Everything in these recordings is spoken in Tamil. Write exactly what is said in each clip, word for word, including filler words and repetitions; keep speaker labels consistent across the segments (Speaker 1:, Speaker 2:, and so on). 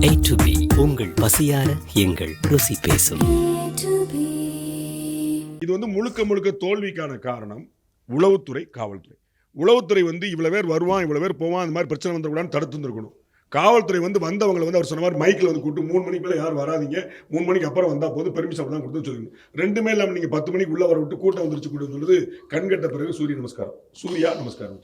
Speaker 1: A to B உங்கள் பசியார எங்கள் ருசி பேசும்.
Speaker 2: இது வந்து முழுக்க முழுக்க தோல்விக்கான காரணம் உளவுத்துறை, காவல்துறை. உளவுத்துறை வந்து இவ்வளவு பேர் வருவான், இவ்வளவு பேர் போவான், அந்த மாதிரி பிரச்சனை வந்துடக்கூடாதுன்னு தடுத்து இருந்திருக்கணும். காவல்துறை வந்து வந்தவங்களை வந்து அவர் சொன்ன மாதிரி மைக்கில் வந்து கூப்பிட்டு மூணு மணிக்கு மேலே யாரும் வராதிங்க, மூணு மணிக்கு அப்புறம் வந்தால் போது பெர்மிஷன் தான் கொடுத்து சொல்லணும். ரெண்டுமே இல்லாமல் நீங்கள் பத்து மணிக்கு உள்ளே வர விட்டு கூட்டம் வந்துருச்சு கூட சொல்லுது. கண்கட்ட பிறகு சூரிய நமஸ்காரம், சூர்யா நமஸ்காரம்.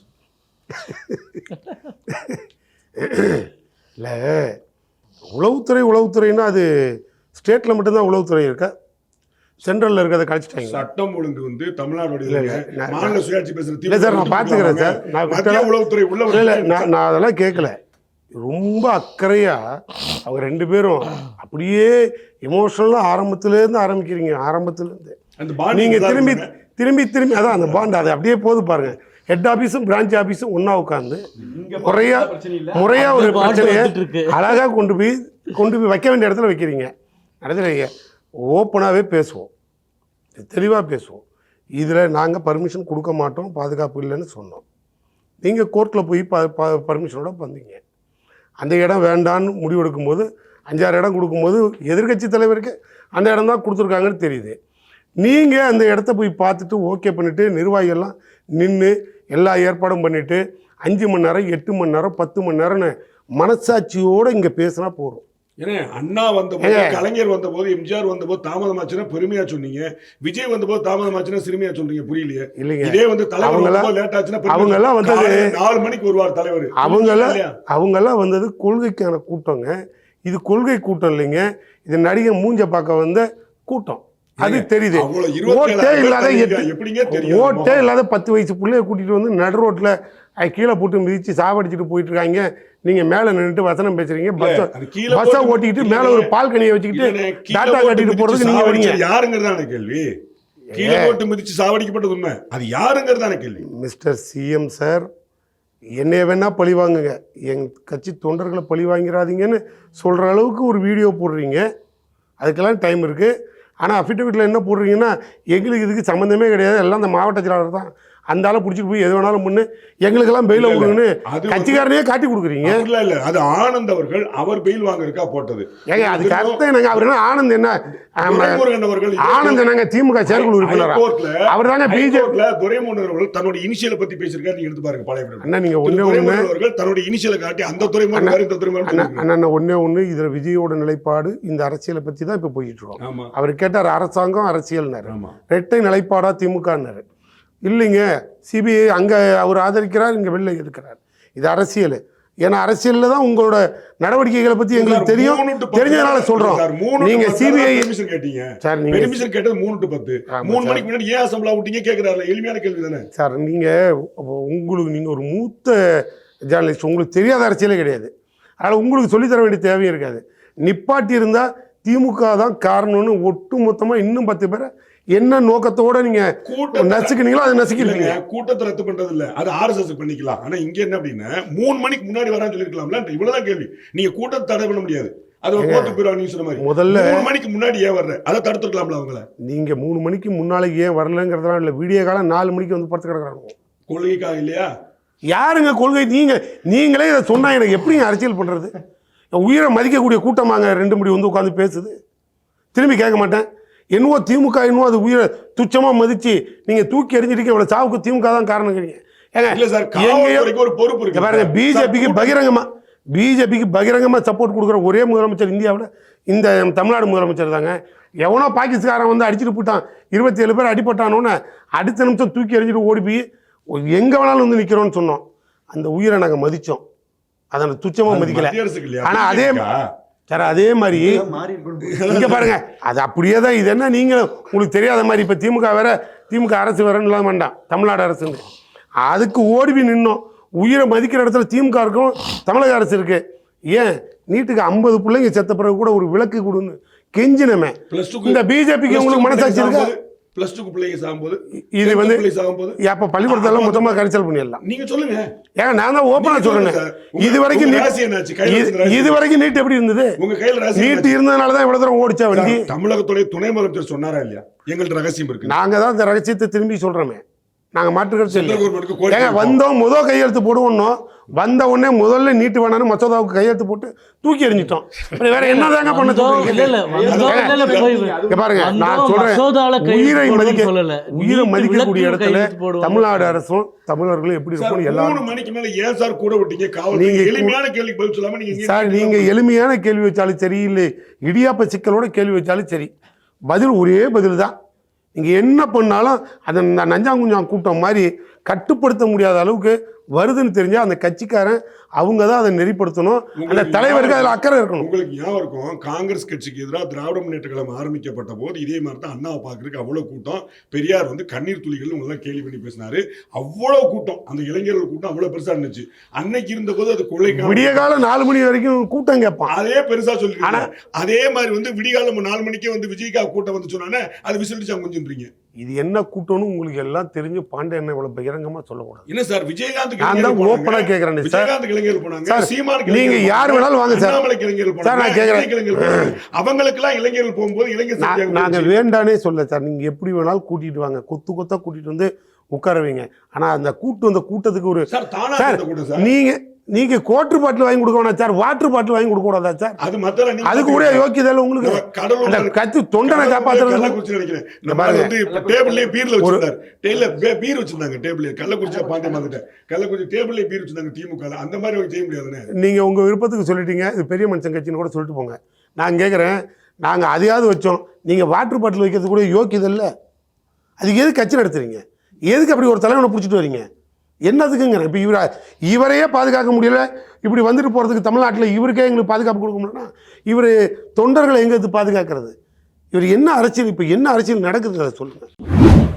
Speaker 3: இல்லை, உளவுத்துறை உளவுத்துறைன்னா அது ஸ்டேட்டில் மட்டும்தான் உளவுத்துறை இருக்கா, சென்ட்ரலில் இருக்கிறத கழிச்சிட்டாங்க.
Speaker 2: சட்டம் ஒழுங்கு வந்து தமிழ்நாடு மாநில சுயாட்சி பேசுகிற
Speaker 3: இல்லை சார், நான் பார்த்துக்கிறேன் சார். நான்
Speaker 2: உளவுத்துறை உள்ள
Speaker 3: இல்லை, நான் நான் அதெல்லாம் கேட்கல. ரொம்ப அக்கறையாக அவங்க ரெண்டு பேரும் அப்படியே எமோஷனலாக ஆரம்பத்துலேருந்து ஆரம்பிக்கிறீங்க. ஆரம்பத்துலேருந்து நீங்கள் திரும்பி திரும்பி திரும்பி அதான் அந்த பாண்ட் அதை அப்படியே போது பாருங்கள். ஹெட் ஆஃபீஸும் பிரான்ச் ஆஃபீஸும் ஒன்றா உட்காந்து முறையா முறையா ஒரு பிரச்சனையை அழகாக கொண்டு போய் கொண்டு போய் வைக்க வேண்டிய இடத்துல வைக்கிறீங்க. நடத்துறீங்க. ஓப்பனாகவே பேசுவோம், தெளிவாக பேசுவோம். இதில் நாங்கள் பர்மிஷன் கொடுக்க மாட்டோம், பாதுகாப்பு இல்லைன்னு சொன்னோம். நீங்கள் கோர்ட்டில் போய் ப ப பர்மிஷனோட வந்தீங்க. அந்த இடம் வேண்டான்னு முடிவெடுக்கும் போது அஞ்சாறு இடம் கொடுக்கும்போது எதிர்கட்சி தலைவருக்கு அந்த இடம் தான் கொடுத்துருக்காங்கன்னு தெரியுது. நீங்கள் அந்த இடத்த போய் பார்த்துட்டு ஓகே பண்ணிவிட்டு நிர்வாகிகள்லாம் நின்று எல்லா ஏற்பாடும் பண்ணிவிட்டு அஞ்சு மணி நேரம் எட்டு மணி நேரம் பத்து மணி நேரம்னு மனசாட்சியோடு இங்கே பேசினா போகிறோம்.
Speaker 2: ஏன்னா அண்ணா வந்தபோது, கலைஞர் வந்தபோது, எம்ஜிஆர் வந்தபோது தாமதமாச்சுன்னா பெருமையா சொன்னீங்க, விஜய் வந்தபோது தாமதமாச்சுன்னா சிறுமையா சொல்றீங்க. புரியலையே. இல்லைங்க, இதே வந்து தலைவர் லேட் ஆச்சுன்னா அவங்க எல்லாம் வந்தது நாலு மணிக்கு வருவார் தலைவர். அவங்கெல்லாம்
Speaker 3: அவங்கெல்லாம் வந்தது கொள்கைக்கான கூட்டங்க. இது கொள்கை கூட்டம் இல்லைங்க, இது நடிகை மூஞ்ச பார்க்க வந்த கூட்டம். அது தெரியுது. ஓட்டே இல்லாத ஓட்டே இல்லாத பத்து வயசு பிள்ளைய கூட்டிட்டு வந்து நடு ரோட்ல கீழே போட்டு மிதிச்சு சாவடிச்சுட்டு போயிட்டு இருக்காங்க. நீங்க மேல நின்றுட்டு வசனம் பேசுறீங்க, பஸ்ஸை ஓட்டிக்கிட்டு மேல ஒரு பால்கனியை வச்சுக்கிட்டு டாட்டா கட்டிட்டு போறதுக்கு நீங்க வரீங்க.
Speaker 2: யாருங்கிறதான கேள்வி. கீழே போட்டு மிதிச்சு சாவடிக்கப்பட்டது உண்மை, அது யாருங்கிறதான கேள்வி.
Speaker 3: மிஸ்டர் சிஎம் சார், என்னைய வேணா பழி வாங்குங்க, என் கட்சி தொண்டர்களை பழி வாங்கிறாதீங்கன்னு சொல்ற அளவுக்கு ஒரு வீடியோ போடுறீங்க. அதுக்கெல்லாம் டைம் இருக்கு. ஆனால் அஃபிடவிட்டில் என்ன போடுறீங்கன்னா எங்களுக்கு இதுக்கு சம்மந்தமே கிடையாது, எல்லாம் அந்த மாவட்ட செயலாளர் தான், அந்த ஆளை பிடிச்சிட்டு போய் எது வேணாலும் முன்னு எங்களுக்கெல்லாம் பெயில் கொடுங்கன்னு கட்சிக்காரனே காட்டி கொடுக்குறீங்க.
Speaker 2: இல்லை இல்லை, அது ஆனந்த் அவர்கள் அவர் பெயில் வாங்கிருக்கா போட்டது.
Speaker 3: ஏங்க அதுக்கு அர்த்தம் என்னங்க? அவர் என்ன ஆனந்த் என்ன ஆனந்த் என்னங்க திமுக செயற்குழு உறுப்பினர் அவர் தாங்க. பிஜேபி
Speaker 2: துரைமுருகன் அவர்கள் தன்னுடைய இனிஷியலை பத்தி பேசியிருக்காரு. நீங்க எடுத்து பாருங்க பழைய
Speaker 3: அண்ணா. நீங்க ஒன்னே ஒண்ணு
Speaker 2: அவர்கள் தன்னுடைய இனிஷியலை காட்டி அந்த துறைமுருகன்
Speaker 3: அண்ணா ஒன்னே ஒண்ணு இதுல விஜயோட நிலைப்பாடு இந்த அரசியலை பத்தி தான் இப்ப போயிட்டு இருக்கோம். அவர் கேட்டார் அரசாங்கம் அரசியல்னாரு, இரட்டை நிலைப்பாடா திமுகன்னாரு. இல்லைங்க, சிபிஐ அங்கே அவர் ஆதரிக்கிறார், இங்கே வெளில இருக்கிறார். இது அரசியல். ஏன்னா அரசியலில் தான் உங்களோட நடவடிக்கைகளை பற்றி எங்களுக்கு தெரியும், தெரிஞ்சதுனால சொல்கிறோம். நீங்கள் சிபிஐ
Speaker 2: கேட்டீங்க சார், நீங்கள் கேட்டது மூணு டு பத்து மூணு மணிக்கு முன்னாடி ஏன் அசம்பிளா விட்டீங்க கேட்குறாரு. எளிமையான கேள்வி தானே
Speaker 3: சார். நீங்கள் உங்களுக்கு நீங்கள் ஒரு மூத்த ஜேர்னலிஸ்ட், உங்களுக்கு தெரியாத அரசியலே கிடையாது. அதனால் உங்களுக்கு சொல்லித்தர வேண்டிய தேவையும் இருக்காது. நிப்பாட்டி இருந்தால் திமுக தான் காரணம்னு ஒட்டு மொத்தமாக இன்னும் பத்து பேரை என்ன நோக்கத்தோட நீங்க நசுக்கினீங்களோ அதை நசுக்கிறீங்க.
Speaker 2: கூட்டத்தை ரத்து பண்றது இல்ல, அது ஆர்எஸ்எஸ் பண்ணிக்கலாம். ஆனா இங்க என்ன அப்படின்னா மூணு மணிக்கு முன்னாடி வரான்னு சொல்லிருக்கலாம்ல. இவ்வளவுதான் கேள்வி. நீங்க கூட்டத்தை தடை பண்ண முடியாது, அது கோர்ட்டு போயிடுவாங்க. நீங்க சொன்ன மாதிரி முதல்ல மூணு மணிக்கு முன்னாடி ஏன் வர்ற அதை தடுத்துருக்கலாம்ல அவங்கள.
Speaker 3: நீங்க மூணு மணிக்கு முன்னாலே ஏன் வரலங்கிறதுலாம் இல்ல, வீடியோ காலம் நாலு மணிக்கு வந்து படுத்து கிடக்குறாங்க.
Speaker 2: கொள்கைக்காக இல்லையா?
Speaker 3: யாருங்க கொள்கை? நீங்க நீங்களே இதை சொன்னா எனக்கு எப்படி அரசியல் பண்றது? உயிரை மதிக்கக்கூடிய கூட்டமாங்க ரெண்டு மணி வந்து உட்காந்து பேசுது. திரும்பி கேட்க மாட்டேன். என்னவோ திமுக என்னவோ அது உயிரை துச்சமாக மதிச்சு நீங்கள் தூக்கி எறிஞ்சிருக்க இவ்வளோ சாவுக்கு திமுக தான் காரணங்கிறீங்க. பாருங்க, பிஜேபிக்கு பகிரங்கமாக பிஜேபிக்கு பகிரங்கமாக சப்போர்ட் கொடுக்குற ஒரே முதலமைச்சர் இந்தியாவில் இந்த தமிழ்நாடு முதலமைச்சர் தாங்க. எவனோ பாகிஸ்தானன் வந்து அடிச்சுட்டு போட்டான், இருபத்தி ஏழு பேர் அடிப்பட்டானோன்னு அடுத்த நிமிஷம் தூக்கி எறிஞ்சிட்டு ஓடி போய் எங்கே வேணாலும் வந்து நிற்கிறோன்னு சொன்னோம். அந்த உயிரை நாங்கள் மதித்தோம், அதை துச்சமாக மதிக்கல. ஆனால் அதே சார் அதே மாதிரி இங்க பாருங்க, அது அப்படியே தான். இது என்ன நீங்களும் உங்களுக்கு தெரியாத மாதிரி இப்போ திமுக வேற திமுக அரசு வேறன்னு இல்லாம வேண்டாம், தமிழ்நாடு அரசு அதுக்கு ஓடிபி நின்னோம். உயிரை மதிக்கிற இடத்துல திமுக இருக்கும், தமிழக அரசு இருக்கு. ஏன் நீட்டுக்கு ஐம்பது பிள்ளைங்க செத்த பிறகு கூட ஒரு விளக்கு கொடுன்னு கெஞ்சினமே. இந்த பிஜேபிக்கு உங்களுக்கு மனசாட்சி இருக்கு?
Speaker 2: பிளஸ் டூ பிள்ளைங்க சாகும்போது
Speaker 3: இது வந்து அப்ப பள்ளிக்கூடத்தெல்லாம் மொத்தமா கரைச்சல் பண்ணிடலாம்.
Speaker 2: நீங்க சொல்லுங்க.
Speaker 3: ஏங்க நான் தான் ஓப்பனா சொல்றேன். இது வரைக்கும் இது வரைக்கும் நீட் எப்படி இருந்தது?
Speaker 2: உங்க கையில
Speaker 3: நீட் இருந்ததுனாலதான் இவ்வளவு தூரம் ஓடிச்சா வண்டி.
Speaker 2: தமிழகத்துடைய துணை முதலமைச்சர் சொன்னாரா இல்லையா எங்கள்ட்ட ரகசியம் இருக்கு?
Speaker 3: நாங்க தான் இந்த ரகசியத்தை திரும்பி சொல்றோமே. நாங்கள் மாற்றுக்கிறது
Speaker 2: சென்ட்ரல் கவர்மெண்ட்டுக்கு கோரிக்கை
Speaker 3: ஏங்க
Speaker 2: வைப்போம்.
Speaker 3: வந்தோம் முதல் கையெழுத்து போடுவோம், வந்த உடனே முதல்ல நீட்டு வேணான்னு மசோதாவுக்கு கையெழுத்து போட்டு தூக்கி எறிஞ்சிட்டோம். அப்புறம் வேற என்னதாங்க பண்ண
Speaker 4: வந்தோம், இல்ல, இல்ல, வந்தோம், இல்ல, இல்ல, போய்
Speaker 3: இங்க பாருங்க, நான்
Speaker 4: வந்தோம்,
Speaker 3: சொல்றேன்,
Speaker 4: மசோதால கையெழுத்து
Speaker 3: உயிரை
Speaker 4: போடுவோம்னு
Speaker 3: மதிக்க
Speaker 4: சொல்லல.
Speaker 3: உயிரை
Speaker 4: நீட்டு
Speaker 3: மதிக்கக்கூடிய
Speaker 4: விலக்குல
Speaker 3: இடத்துல
Speaker 4: கையெழுத்து போடுவோம்.
Speaker 3: தமிழ்நாடு அரசும் தமிழர்களும் எப்படி
Speaker 2: சார்,
Speaker 3: இருக்கணும்
Speaker 2: மூணு
Speaker 3: எல்லாரும்.
Speaker 2: மணிக்கு மேல ஏன் சார் கூட விட்டீங்க காவல்துறை?
Speaker 3: நீங்க
Speaker 2: எளிமையான கேள்விக்கு பதில் சொல்லாம நீங்க இங்க
Speaker 3: சார் நீங்க எளிமையான கேள்வி வச்சாலும் சரி, இல்லை இடியாப்ப சிக்கலோட கேள்வி வச்சாலும் சரி, பதில் ஒரே பதில் தான். நீங்க என்ன பண்ணாலும் அந்த நஞ்சாங்குஞ்சான் கூட்டம் மாதிரி கட்டுப்படுத்த முடியாத அளவுக்கு வருதுன்னு தெரிஞ்சா அந்த கட்சிக்காரன் அவங்க தான் அதை நெறிப்படுத்தணும். அந்த தலைவருக்கு அதில் அக்கறை இருக்கணும்.
Speaker 2: உங்களுக்கு ஞாபகம் இருக்கும், காங்கிரஸ் கட்சிக்கு எதிராக திராவிட முன்னேற்ற கழகம் ஆரம்பிக்கப்பட்ட போது இதே மாதிரி தான் அண்ணாவை பார்க்கறதுக்கு அவ்வளவு கூட்டம். பெரியார் வந்து கண்ணீர் துளிகள் உங்களெல்லாம் கேள்வி பண்ணி பேசினாரு. அவ்வளவு கூட்டம், அந்த இளைஞர்கள் கூட்டம் அவ்வளவு பெருசா இருந்துச்சு. அன்னைக்கு இருந்த போது அது கொள்ளைக்கான
Speaker 3: விடிய காலம் நாலு மணி வரைக்கும் கூட்டம் கேட்பான்.
Speaker 2: அதே பெருசா சொல்லிருக்காங்க. அதே மாதிரி வந்து விடிகாலம் நாலு மணிக்கே வந்து விஜய்கா கூட்டம் வந்து சொன்னானே அது விசிலிச்சு கொஞ்சம்ன்றீங்க.
Speaker 3: இது என்ன கூட்டம்னு உங்களுக்கு எல்லாம் தெரிஞ்சு பாண்டே என்ன இவ்வளவு பகிரங்கமா சொல்லக்கூடாது.
Speaker 2: என்ன சார் விஜயகாந்த்
Speaker 3: நான் தான் ஓப்பனா கேக்குறேன் சார்.
Speaker 2: விஜயகாந்த் இளைஞர்கள் போனாங்க,
Speaker 3: சார்,
Speaker 2: சீமான்
Speaker 3: நீங்க யார் வேணாலும் வாங்க சார்.
Speaker 2: அண்ணாமலை இளைஞர்கள்
Speaker 3: சார், நான்
Speaker 2: போனாங்க,
Speaker 3: கேக்குறேன்.
Speaker 2: விஜய் இளைஞர்கள் போனாங்க. அவங்களுக்கெல்லாம் இளைஞர்கள் போகும்போது இளைஞர்
Speaker 3: நான்-
Speaker 2: சக்தியாக
Speaker 3: நாங்க
Speaker 2: போச்சு.
Speaker 3: வேண்டானே சொல்ல சார். நீங்க எப்படி வேணாலும் கூட்டிட்டு வாங்க, கொத்து கொத்தா கூட்டிட்டு வந்து உட்கார வைங்க. ஆனா அந்த கூட்டு அந்த கூட்டத்துக்கு ஒரு
Speaker 2: சார் தானா
Speaker 3: சார்
Speaker 2: இருந்த கூட்டம் சார்.
Speaker 3: நீங்க நீங்க கோட்டர் பாட்டில் வாங்கி கொடுக்க வேணாம் சார், வாட்டர் பாட்டில் வாங்கி கொடுக்க கூடாதா சார்?
Speaker 2: அது மத்தல நீங்க
Speaker 3: அதுக்கு கூட யோக்கியதை இல்லை உங்களுக்கு.
Speaker 2: கடலூர்
Speaker 3: அந்த கத்து தொண்டனை காப்பாத்துறது.
Speaker 2: கள்ளக்குறிச்சி நினைக்கிறேன். நம்ம வந்து இப்ப டேபிள்லயே பீர்ல வச்சிருந்தாரு. டேபிள்ல பே- பீர் வச்சிருந்தாங்க டேபிள்ல. கள்ளக்குறிச்சி பாண்டே வந்துட்டேன். கள்ளக்குறிச்சி டேபிள்லயே பீர் வச்சிருந்தாங்க திமுக ல. அந்த மாதிரி அவங்க செய்ய முடியாதுன்னு.
Speaker 3: நீங்க உங்க விருப்பத்துக்கு சொல்லிட்டீங்க. இது பெரிய மனுஷன் கட்சின்னு கூட சொல்லிட்டு போங்க. நான் கேட்குறேன், நாங்க அதையாவது வச்சோம், நீங்க வாட்டர் பாட்டில் வைக்கிறது கூட யோக்கியதை இல்லை. அதுக்கு எது கட்சி நடத்துறீங்க? எதுக்கு அப்படி ஒரு தலைவனை பிடிச்சிட்டு வரீங்க? என்னதுக்குங்க? இப்போ இவர இவரையே பாதுகாக்க முடியல, இப்படி வந்துட்டு போகிறதுக்கு தமிழ்நாட்டில் இவருக்கே எங்களுக்கு பாதுகாப்பு கொடுக்க முடியலன்னா இவர் தொண்டர்களை எங்கே பாதுகாக்கிறது? இவர் என்ன அரசியல், இப்போ என்ன அரசியல் நடக்குது அதை சொல்லுங்கள்.